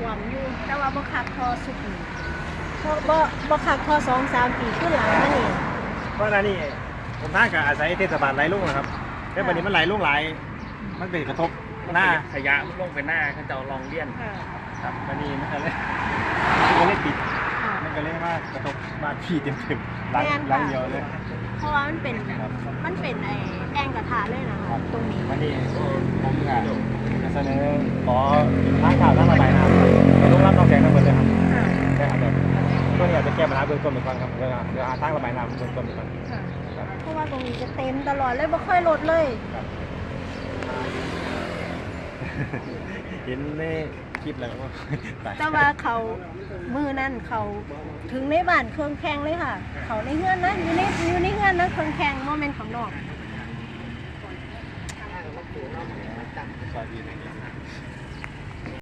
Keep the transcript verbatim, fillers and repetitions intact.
วมอยู่แต่ว่าบ่คักพอสุดนี่เพราะบ่บ่คักพอสองสามปีขึ้นหลังมานี่เพราะนั่นนี่ผมท่ากับอาศัยเทศบาลไหลลุ่งนะครับแต่วันนี้มันไหลลุ่งไหลมันเป็นกระทบหน้าขยะลงไปหน้าเขาจะลองเลี่ยนค่ะครับวันนี้มันก็เลยมันก็เลยปิดมันก็เลยว่ากระทบบ้านพี่เต็มๆหลังหลังเดียวเลยเพราะว่ามันเป็นมันเป็นไอ้แองกระทะเลยนะคะตรงนี้วันนี้ผมค่ะจะเสนอขอทางข่าวทางระบายน้ำให้ลุงรับน้องแสงทั้งหมดเลยครับค่ะได้ครับแบบตัวนี้อาจจะแก้ปัญหาเบื้องต้นไปก่อนครับเดี๋ยวเดี๋ยวหาทางระบายน้ำเบื้องต้นไปก่อนค่ะเพราะว่าตรงนี้จะเต็มตลอดเลยบ่ค่อยลดเลยเห็นในคลิปแล้วว่าแต่ว่าเขามือนั่นเขาถึงในบ้านเครื่องแข่งเลยค่ะ เขาในเฮือนนะอยู่ในอยู่ในเฮือนนะเครื่องแข่งโมเมนต์ข้างนอกซอยดี